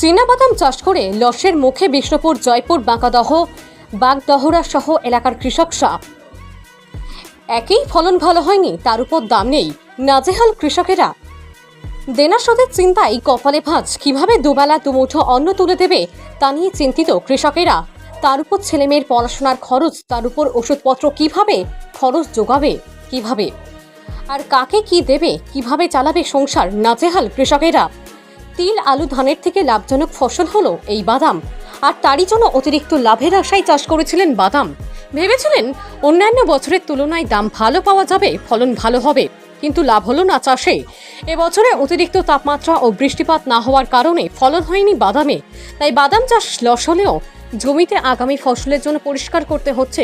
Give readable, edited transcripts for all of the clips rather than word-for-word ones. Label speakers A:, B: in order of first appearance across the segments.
A: চীনাবাদাম চাষ করে লসের মুখে বিষ্ণুপুর, জয়পুর, বাঁকাদহ, বাগদহরা সহ এলাকার কৃষকরা। একই ফলন ভালো হয়নি, তার উপর দাম নেই, নাজেহাল কৃষকেরা। দেনা শোধের চিন্তায় কপালে ভাঁজ, কিভাবে দুবেলা দুমুঠো অন্ন তুলে দেবে তা নিয়ে চিন্তিত কৃষকেরা। তার উপর ছেলেমেয়ের পড়াশোনার খরচ, তার উপর ওষুধপত্র কিভাবে খরচ যোগাবে, কিভাবে আর কাকে কি দেবে, কিভাবে চালাবে সংসার, নাজেহাল কৃষকেরা। তিল, আলু, ধানের থেকে লাভজনক ফসল হলো এই বাদাম, আর তারই জন্য অতিরিক্ত লাভের আশায় চাষ করেছিলেন বাদাম। ভেবেছিলেন অন্যান্য বছরের তুলনায় দাম ভালো পাওয়া যাবে, ফলন ভালো হবে, কিন্তু লাভ হলো না চাষে। এবছরে অতিরিক্ত তাপমাত্রা ও বৃষ্টিপাত না হওয়ার কারণে ফলন হয়নি বাদামে। তাই বাদাম চাষ লস হলেও জমিতে আগামী ফসলের জন্য পরিষ্কার করতে হচ্ছে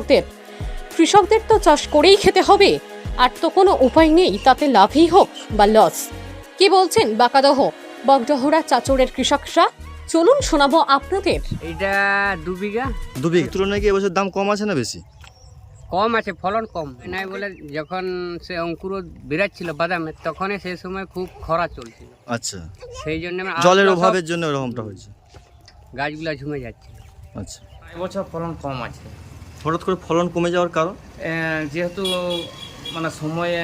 A: কৃষকদের তো চাষ করেই খেতে হবে, আর তো কোনো উপায় নেই, তাতে লাভই হোক বা লস। কি বলছেন বাঁকাদহ, বাগদহরা, চাচড়ের কৃষকরা? চলুন শোনাবো আপনাদের।
B: এইটা 2 বিঘা।
C: 2 বিঘা তুলনায় কি এবছর দাম কম আছে না বেশি?
B: কম আছে, ফলন কম নাই বলে। যখন সে অঙ্কুর বেরাচ্ছিল বাদামের, তখনই সেই সময় খুব খরা চলছিল।
C: আচ্ছা,
B: সেই জন্য
C: জলের অভাবের জন্য এরকমটা হয়েছে।
B: গাছগুলা ঝুমে যাচ্ছিল।
C: আচ্ছা,
D: এবছর ফলন কম আছে।
C: হঠাৎ করে ফলন কমে যাওয়ার কারণ?
D: যেহেতু মানে সময়ে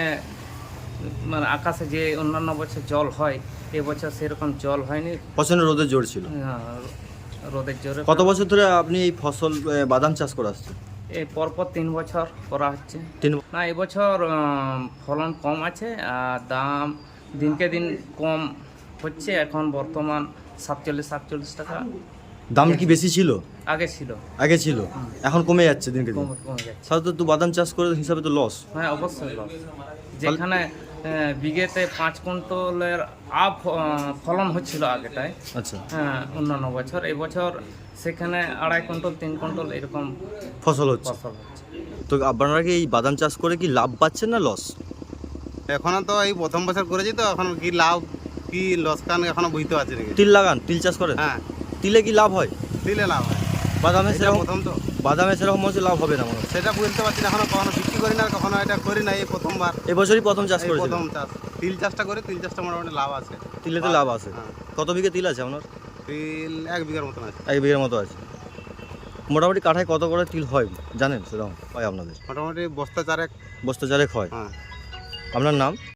D: মানে আকাশে যে অন্যান্য বছর জল হয়, এবছর সেরকম জল হয়নি।
C: প্রচন্ড রোদের জোর ছিল।
D: রোদের জোরে।
C: কত বছর ধরে আপনি এই ফসল বাদাম চাষ করে আসছেন?
D: এই পরপর 3 বছর করা হচ্ছে।
C: 3
D: না, এবছর ফলন কম আছে আর দাম দিনকে দিন কম হচ্ছে। এখন বর্তমান 47 টাকা।
C: দাম কি বেশি ছিল?
D: আগে ছিল,
C: এখন কমে যাচ্ছে দিনকে দিন।
D: কমে যাচ্ছে।
C: সাধারণত তো বাদাম চাষ করে হিসাবে তো লস।
D: হ্যাঁ, অবশ্যই লস। যেখানে বিঘেতে 5 কুইন্টালের ফলন হচ্ছিল আগেটায়,
C: আচ্ছা,
D: হ্যাঁ, অন্যান্য বছর। এবছর সেখানে 2.5 কুইন্টাল 3 কুইন্টাল এরকম
C: ফসল হচ্ছে।
D: ফসল হচ্ছে।
C: তো আপনারা কি এই বাদাম চাষ করে কি লাভ পাচ্ছেন না লস?
E: এখনো তো এই প্রথম বছর করেছি, তো এখন কি লাভ কি লোকসান এখনো বুঝতে পারছি না।
C: তিল লাগান, তিল চাষ করেন?
E: হ্যাঁ,
C: তিলে কি লাভ হয়?
E: দিলে লাভ হয়।
C: বাদামে
E: এটা
C: সেরকম
E: প্রথম তো
C: বাদামে সেরকম হচ্ছে লাভ হবে না মনে হয়।
E: সেটা বুঝতে পারছি না, এখনো কখনো বিক্রি করি না, কখনো এটা করি না। এই প্রথমবার,
C: এবছরই প্রথম চাষ
E: এই
C: করেছেন?
E: প্রথম চাষ। তিল চাষটা করে, তিল চাষটা মোটামুটি লাভ আছে।
C: তিলেতে লাভ আছে।
E: হ্যাঁ,
C: কত বিঘে তিল আছে আপনার?
E: তিল 1 বিঘার মতন আছে।
C: 1 বিঘের মতো আছে। মোটামুটি কাঠায় কত করে তিল হয় জানেন? সেরকম হয় আপনাদের?
E: মোটামুটি বস্তা 4
C: বস্তা চারেক হয়।
E: হ্যাঁ।
C: আপনার নাম?